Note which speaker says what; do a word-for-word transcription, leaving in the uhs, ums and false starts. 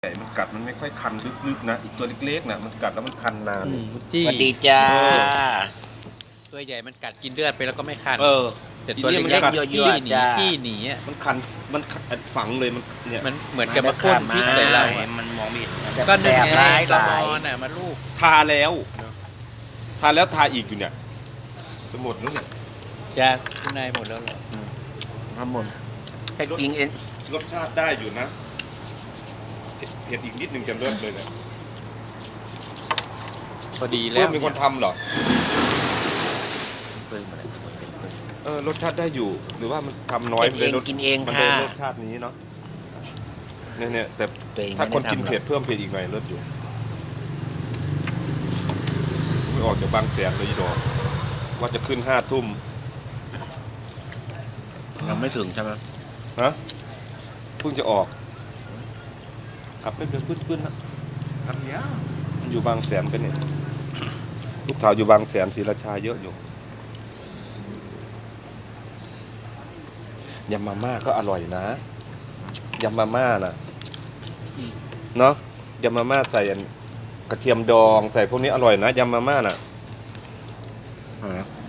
Speaker 1: ใหญ่มันกัดมันไม่ค่อยคันลึกๆนะอีกตัวเล็กๆนะมันกัดแล้วมันคันนาน
Speaker 2: จี้
Speaker 3: สวัสดีจ้า
Speaker 2: ตัวใหญ่มันกัดกินเลือดไปแล้วก็ไม่คัน
Speaker 1: เออ
Speaker 2: แต่ตัว
Speaker 1: อี
Speaker 2: เล็
Speaker 1: นี่
Speaker 2: ก
Speaker 1: มันกัด
Speaker 2: ๆจี้หนีจี้หนีอ่ะ
Speaker 1: มันคันมันฝังเลยมันเนี่ย
Speaker 2: มันเหมือนกับมาพ่นพิษใส่เราอะ
Speaker 1: มันมองไม่เห็น
Speaker 2: ก็
Speaker 3: แส
Speaker 2: นึ่ง
Speaker 3: บ
Speaker 2: ไง
Speaker 3: ร้าย
Speaker 2: กระ
Speaker 3: ห
Speaker 2: ม
Speaker 3: ลา
Speaker 2: อย นอ่ะมาลูก
Speaker 1: ทาแล้วทาแล้วทาอีกอยู่เนี่ยจะหมดแล้วเนี่ย
Speaker 2: จะข้างในหมดแล้วเหรอ
Speaker 3: ทั้งหมดแค่จริงเอง
Speaker 1: รสชาติได้อยู่นะเผ็ดเผ็ดอีกนิดนึงจะเลิศเลยเนี่ย
Speaker 2: พอดีแล้
Speaker 1: เพื่อ
Speaker 2: วน
Speaker 1: มีคนทำเหรอ
Speaker 3: เพิ่มอะไรเป็นเพิ่ม
Speaker 1: เออรสชาติได้อยู่หรือว่ามันทำน้อย
Speaker 3: เผ็ดเอง
Speaker 1: รส
Speaker 3: กินเอง
Speaker 1: มันเลย
Speaker 3: ค่ะ
Speaker 1: รสชาตินี้เนาะเนี่ยเนี่ยแต่
Speaker 3: ตัวเอง
Speaker 1: ถ้าคน
Speaker 3: ไม่ได้
Speaker 1: กิน
Speaker 3: ทำหรอก
Speaker 1: เผ็ดเพิ่มเผ็ดอีกหน่อยเลิศอยู่ไม่ออกจากบางแสนเลยอีดอกว่าจะขึ้นห้าทุ่ม
Speaker 3: ยังไม่ถึงใช่ไหม
Speaker 1: ฮะเพิ่งจะออกขับไม่เป็นพื้นๆนะ
Speaker 3: ครับเนี้ย
Speaker 1: มันอยู่บางแสนกันเนี่ยลูกสาวอยู่บางแสนศรีราชาเยอะอยู่ยำมาม่าก็อร่อยนะยำมาม่านะเนาะยำมาม่าใส่อันกระเทียมดองใส่พวกนี้อร่อยนะยำมาม่าน่ะ
Speaker 3: อ่า